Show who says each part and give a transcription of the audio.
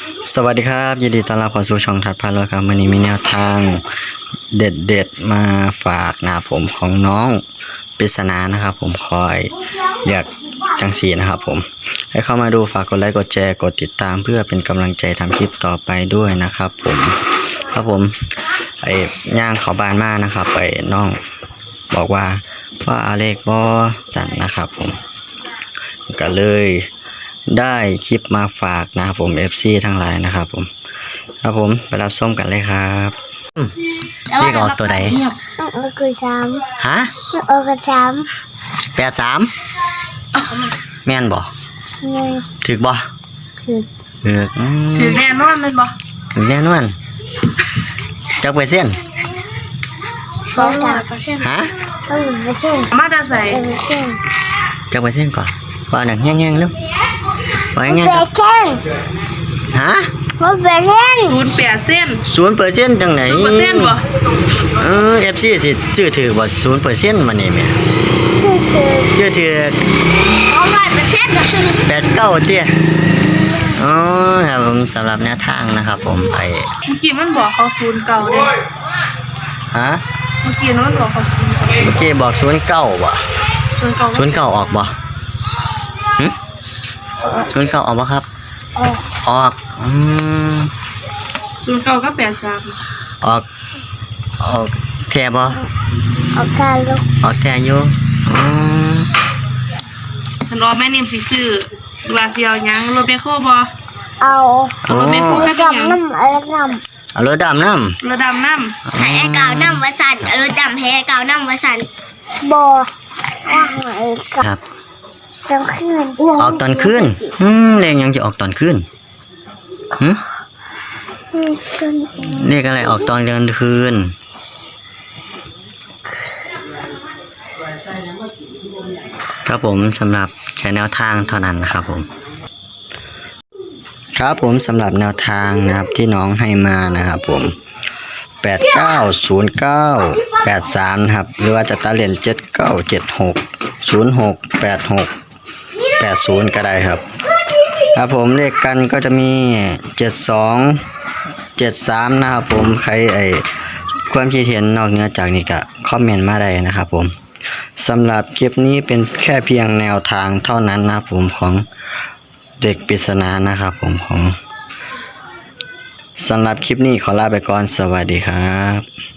Speaker 1: สวัสดีครับยินดีต้อนรับเข้าสู่ช่องทัดพารวยครับวันนี้มีแนวทางเด็ดๆมาฝากนะครับผมของน้องปริศนานะครับผมคอยเรียกจังสีนะครับผมให้เข้ามาดูฝากกดไลค์กดแชร์กดติดตามเพื่อเป็นกำลังใจทำคลิปต่อไปด้วยนะครับผมไอ้ย่างเขาบานมากนะครับไอ้น้องบอกว่าอาเลขบอจันนะครับผมก็เลยได้คลิปมาฝากนะครับผม FC ทั้งหลายนะครับผมไปรับส้มกันเลยครับเลขออกตัวไหน
Speaker 2: คือ3
Speaker 1: ฮะ83แม่นบ่ถึกบ่
Speaker 3: ถือแน่นอนมันบ่
Speaker 1: ถึกแน่นอนจักเปอร์เซ็นต์ฮะ
Speaker 3: มาจะใส่
Speaker 1: จักเปอร์เซ็นต์ก่อนว่าหนังแห้งๆเร็วว่าแห้งๆฮะ
Speaker 3: 0%
Speaker 1: จังไหน
Speaker 3: 0%บ่
Speaker 1: FC สิชื่อถือบ่ 0% มานี่แม่ชื่อถือ89เตี้ยอ๋อครับผมสำหรับแนวทางนะครับผม
Speaker 3: เมื่อกี้มันบอกเขา09เด้
Speaker 1: ฮะ
Speaker 3: เมื่อกี้มันบอกเขา
Speaker 1: 09เมื่อกี้บอก09บ่09ออกบ่09ออกบ่ครับออก
Speaker 3: 09ก็83
Speaker 1: ออกแท้บ่
Speaker 2: ออกแท้ลูก
Speaker 1: ออกแท้อยู่
Speaker 3: ท่านรอแม่นิ่มสิชื่อลาเซียวยังรถเบโคบ่
Speaker 2: เอา
Speaker 3: รถเบโคแค่ยัง
Speaker 1: เอารถดำน้
Speaker 3: ำ
Speaker 2: ให้เก่าน้ำวสันรถดำให้เก่าน้ำวสันบ่
Speaker 1: ครับ
Speaker 2: ตอนคืน
Speaker 1: ออกตอนคืนเลขยังจะออกตอนคืนเลขอะไรออกตอนกลางคืนครับผมสำหรับใช้แนวทางเท่านั้นนะครับผมครับผมสำหรับแนวทางนะครับที่น้องให้มานะครับผม890983นะครับหรือว่าจะตัดเหรียญ7976068680ก็ได้ครับผมเลขกันก็จะมี7273นะครับผมใครความคิดเห็นนอกเหนือจากนี้ก็คอมเมนต์มาได้นะครับผมสำหรับคลิปนี้เป็นแค่เพียงแนวทางเท่านั้นนะครับผมของเด็กปริศนานะครับผมสำหรับคลิปนี้ขอลาไปก่อนสวัสดีครับ